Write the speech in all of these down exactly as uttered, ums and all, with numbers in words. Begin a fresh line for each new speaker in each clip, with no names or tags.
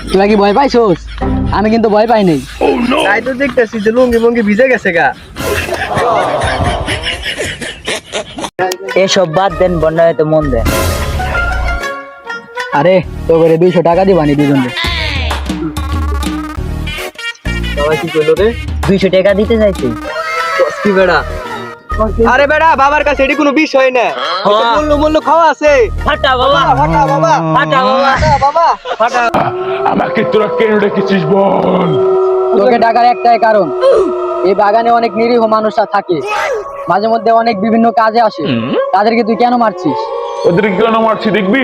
তোরা কি ভয় পাইছোস? আমি কিন্তু ভয় পাই নাই।
তাই তো দেখতেছি যে লুঙ্গি মঙ্গি ভিজে গেছে গা।
এসব বাদ দেন, বন্যা হয়তো মন দেন।
আরে তো করে দুইশো টাকা দিবানি দুজনে।
সবাই কি করলো রে?
দুইশো টাকা দিতে চাইছি।
কি বেড়া? আরে বেড়া, বাবার কাছে এটি কোনো বিষয় না। মূল্য মূল্য খাওয়া আছে।
ফাটা বাবা,
ফাটা বাবা,
ফাটা বাবা,
ফাটা বাবা, ফাটা।
আমাকে তোরা কেন ডেকেছিস বল?
তোকে ডাকার একটাই কারণ, এই বাগানে অনেক নিরীহ মানুষরা থাকে, মাঝে মধ্যে অনেক বিভিন্ন কাজে আসে, তাদেরকে তুই কেন মারছিস?
ওদের কেন মারছি দেখবি?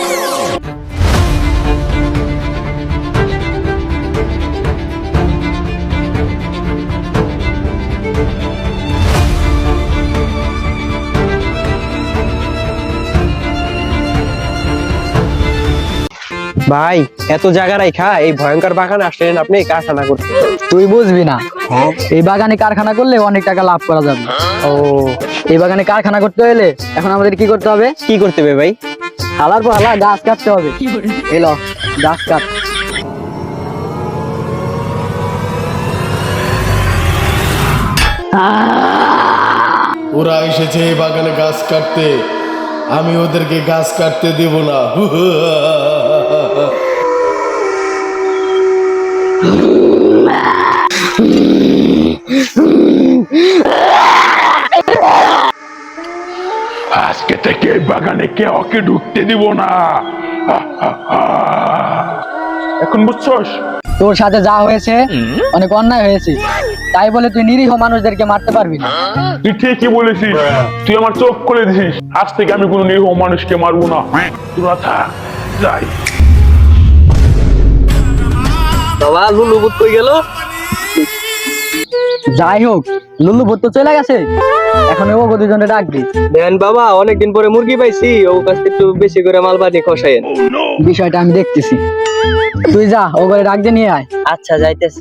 ভাই, এত জায়গা রাখা এই ভয়ঙ্কর বাগানে আসলেন আপনি কারখানা করতে।
তুই বুঝবি না, এই বাগানে কারখানা করলে অনেক টাকা লাভ করা যাবে।
ও,
এই বাগানে কারখানা করতে হলে এখন আমাদের কি করতে হবে?
কি করতে হবে ভাই?
হালার পর হালা গাছ কাটতে হবে। এলো গাছ কাট।
ওরা এসেছে এই বাগানে গাছ কাটতে, আমি ওদেরকে গাছ কাটতে দেব না।
আজকে থেকে এই বাগানে কেউ ওকে ঢুকতে দিব না। এখন বুঝছস?
তোর সাথে যা হয়েছে অনেক অন্যায় হয়েছে, তাই বলে তুই নিরীহ মানুষদেরকে মারতে পারবি না।
তুই ঠিকই বলেছিস, তুই আমার চোখ খুলে দিছিস। আজ থেকে আমি কোনো নিরীহ মানুষকে মারবো না। তোরা থাক, যাই।
বাবা, লুলু বুট কই গেল?
যাই হোক, লুলু ভূত তো চলে গেছে, এখন ও দুজনে ডাকবি।
দেন বাবা, অনেকদিন পরে মুরগি পাইছি, ও কাছ থেকে একটু বেশি করে মাল বানি খসাইন।
বিষয়টা আমি দেখতেছি, তুই যা ও করে ডাক দিয়ে নিয়ে আয়।
আচ্ছা যাইতেছি।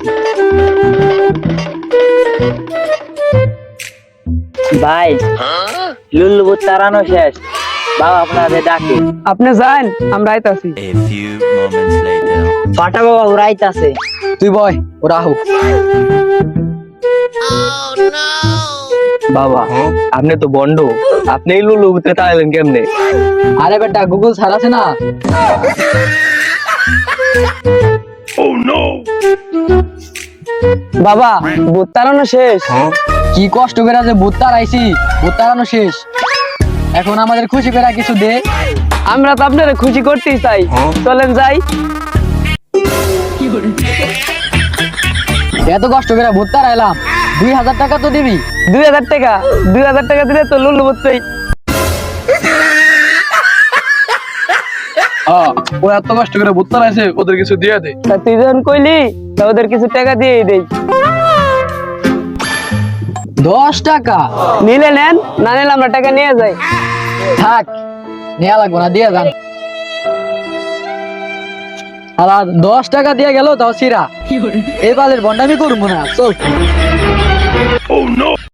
ভাই, লুল্লু ভূত তাড়ানো শেষ, বাবা আপনাদের ডাকে।
আপনি যান, আমরা আইতাছি।
A few moments later.
ফাটা বাবা উড়াইতাছে।
তুই বয়, ওরা হোক।
বাবা, আপনি তো বন্ড, আপনি এই লুলু বুতে তাইলেন কেমনে?
আরে বেটা, গুগল স্যার আছে না?
বাবা, ভূত তাড়ানো শেষ।
কি কষ্ট করে যে ভূত তাড়াইছি, ভূত তাড়ানো শেষ। এখন আমাদের খুশি করে কিছু দে।
আমরা তো আপনারা খুশি করতেই চাই, চলেন যাই।
এত কষ্ট করে ভূত তাড়াইলাম, দুই হাজার টাকা তো দিবি।
দুই হাজার টাকা দুই হাজার টাকা দিলে তো লুলু বুত পাই।
ও এত কষ্ট করে ভূত তাড়াইছে, ওদের কিছু দিয়ে দে।
তা তুই যখন কইলি, তা ওদের কিছু টাকা দিয়েই দেই।
দশ টাকা
নিলে নেন, না নিলে আমরা টাকা নিয়ে যাই।
থাক, নেওয়া লাগবো না, দিয়ে যান। আর দশ টাকা দিয়ে গেল তাও সিরা। এই বালের বন্ডামি করবো না, চল।